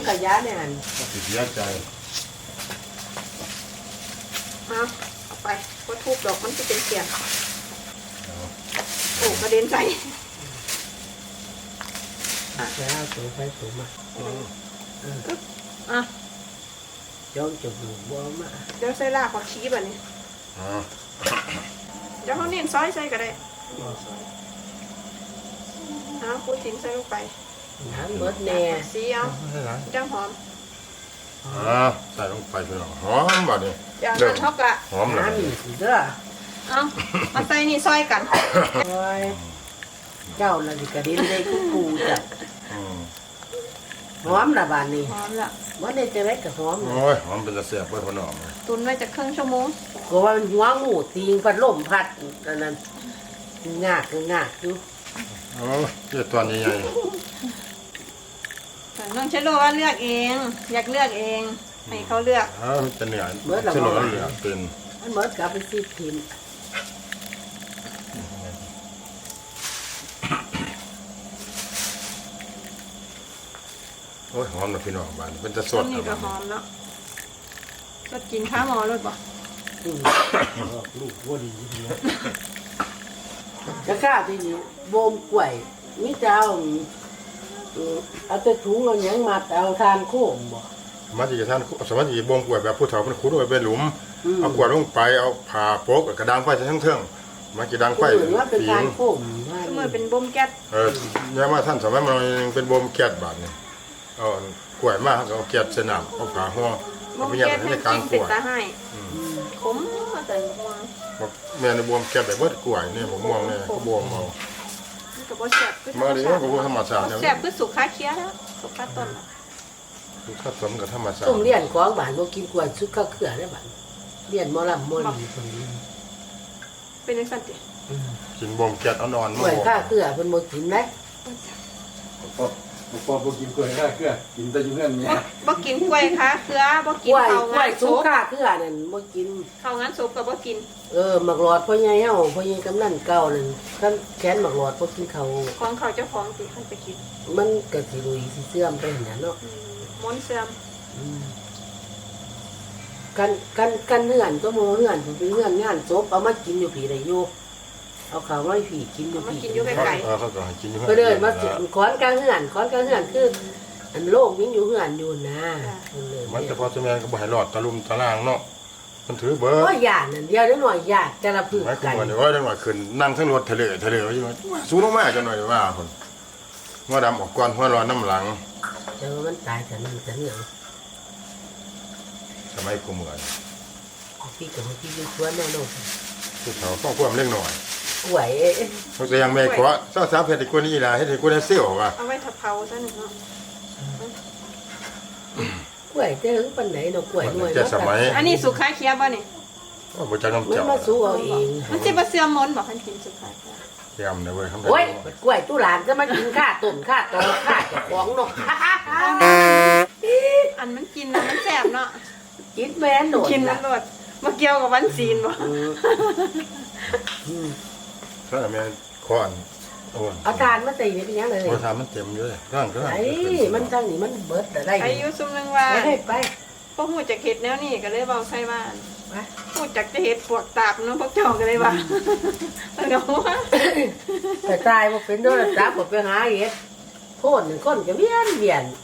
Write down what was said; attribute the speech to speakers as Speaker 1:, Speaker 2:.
Speaker 1: ขยะเนี่ยหัน
Speaker 2: ติดยาใจ
Speaker 3: เอาไปก็ทุบดอกมันจะเป็นเสียงโอ้กระเด็นใส่
Speaker 1: แล้วตัวไปตัวมาย้อนจมูกบัวมา
Speaker 3: เดี๋ยวใส่ลากผักชีแบบนี้เดี๋ยวเขาเน้นซอยใส่ก็ได้พูดถึงใส่ลงไป
Speaker 1: น้ำเบิดแน่
Speaker 3: สีเอาจังหอม
Speaker 2: ใส่ลงไปพี่น้องหอมบ่เนี่ย
Speaker 3: อย่างนั้นเท่ากับ
Speaker 2: หอมเลย
Speaker 1: เด้อ
Speaker 3: มาใส่นี่ซอยกัน
Speaker 1: เจ้าละดิกระเด็นได้กูจ้ะหอมละบานนี้
Speaker 3: หอมละ
Speaker 1: วันนี้จะได้กับหอม
Speaker 2: โอ้ยหอมเป็นตะเสียบเพื่อนน้อง
Speaker 3: ตุนไว้จะครึ่งชั่วโมง
Speaker 1: ก็ว่ามันหัวงูตีงพัดลมพัดอันนั้นงากอยู่
Speaker 2: โอ้ยเจ้าตัวใหญ่
Speaker 3: น้องเชโลว่าเลือกเองอยากเลือกเองให้เขาเลือก
Speaker 2: มันจะเหนื่อยเชโลเหลือเป็น
Speaker 1: มันเหมือนกับไปซีทิม
Speaker 2: โอ้ยหอมนะพี่น้องบ้านเป็นตะสด
Speaker 3: นี่ก็หอมเนาะสดกินข้าวหมอเลยป่ะ
Speaker 1: ลูกวัวดีจะข้าที่นี่โบมกล้วยมิเจ้าเอาแต่ถุงเอาหยังมาเอาทานโค้งบ่
Speaker 2: มาที่ท่านสมัยที่บ่มกล้วยแบบผู้เฒ่าเพิ่นขุดไว้เป็นหลุมเอากล้วยลงไปเอาผ่าโปกกระดังไฟใส่ทั้งมากี่ดังไฟ
Speaker 1: เป็นทานโค้ง
Speaker 3: เมื่อเป็นบ่มแก๊ส
Speaker 2: เนี่ยมาท่านสมัยมันเป็นบ่มแก๊สบาดนี่เอากล้วยมาเอาแก๊สใส่น้ำเอาผ่าห่อ
Speaker 3: บ่มแก๊สให้กินเป็นตาให้ขมมาแต่ม่วง
Speaker 2: แม่ในบ่มแก๊สแบบเบิดกล้วยนี่บ่ม่วงนี่ก็บ่มเอา
Speaker 3: ก็บ่แซ่บ
Speaker 2: มาดิก็บ่ธรรมชาติ
Speaker 3: แซ่บคือสุขาเคี้ยแล้วสุขาต้น
Speaker 2: สุขาสมกับธรรมชาติ
Speaker 1: ต้มเลี้ยนของบ้านบ่กินกล้วยสุขาเขือได้บ้านเลี้ยนหมอลำหมอลีคนนี้
Speaker 3: เป็นจังซั่นติ
Speaker 2: กินบ่มแก๊สอ่อนๆ
Speaker 1: กล้วยข้าเขือเพิ่นบ่กินมั้ย
Speaker 4: บ่กินกล้วยข้าเขือกินแต่อยู่เฮือนเนี่ย
Speaker 3: บ่กินกล้วยค่ะเขือบ่กินข้าวงาน
Speaker 1: สุขาเขือนั่นบ่กิน
Speaker 3: ข้าวงานศพก็บ่กิน
Speaker 1: หมักหลอดพ่อใหญ่เฮาพ่อใหญ่กำนันเก่านั่นคันแขนหมักหลอดบ่กินข้าว
Speaker 3: ของเขาเจ้าของสิคันไปกิน
Speaker 1: มันก็สิลุยสิเสื่อมไปหั่นน่ะเนาะ
Speaker 3: มนเสื่อม
Speaker 1: กันเฮือนก็โมเฮือนเป็นเฮือนงานศพเอามากินอยู่ผีได้อยู่เอาข้าวมาผีกินอยู่ผี
Speaker 3: กินอยู่ไกล
Speaker 2: ๆเขาก็ให้กินอยู่
Speaker 1: ก็เลยมาขอนกลางเฮือนคืออันโลกยังอยู่เฮือนอยู่นะ
Speaker 2: มันจะพอจะแม่ก็บ่ให้รอดตะลุมตะล่างเนาะมันถือเบอร์
Speaker 1: ก็หยาดนั่นเดียวหน่อยหยาดจะระพึ่ง
Speaker 2: กันไม่ว่าจังหวะขึ้นนั่งทั้งรถทะเลว่าอยู่สูงลงมาจังหน่อยว่าคนหัวดำออกก่อนหัวร้อนน้ำหลัง
Speaker 1: เจอมันตายแต่นั่นแต่เนี่ย
Speaker 2: สมัยกูเหมือน
Speaker 1: พี่กับพี่ชวนแน่นอน
Speaker 2: ผู้เฒ่าต้องความเล็กหน่อย
Speaker 1: ไหว
Speaker 2: เขาจะยังไม่ขอเจ้าสาวเพชรกูนี่ล่ะให้กูได้เซี่ยวว่ะ
Speaker 3: เอาไว้ทับเผาซะหนึ่งเนาะ
Speaker 1: กล้วยจะถึงปันไหนเนาะกล้วยด้วย
Speaker 3: อันนี้สุขาเคี้ยบ่นี่
Speaker 2: บ่จักน้ำเจ้า
Speaker 1: มันมาสู้เอาเอง
Speaker 3: มันสิบ่เสื่อมมนบ่คันกินสุขาเคี้ย
Speaker 2: เยี่ยมเลยเว้ย
Speaker 1: โอ้ยกล้วยตู้หลานจะมากินข้าต้นข้าตอข้าเจ้าของเนาะ
Speaker 3: อันมันกินนะมันแซ่บเนาะ
Speaker 1: กินแม่นโดด
Speaker 3: กินมันโดดมาเกี่ยวกับวันศีลบ่
Speaker 2: ถ้าแม่ค้อน
Speaker 1: เอาทานมาใส่นี่เป็นยังเลย
Speaker 2: เอาทานมันเต็มอยู่เลยร่างก็
Speaker 1: ไอ้มันทางนี้มันเบิดได้
Speaker 3: อายุซุ่มนึงว่า
Speaker 1: ไป
Speaker 3: พวกหูจักเห็ดแนวนี้ก็เลยเบาใส่บ้านหูจักจะเห็ดปวกตาบน้องพวกเจ้าก็เลยว่าเงาว่า
Speaker 1: แต่ตายบ่เป็นโดนจับบ่ไปหาเห็ดโคนก็เวียน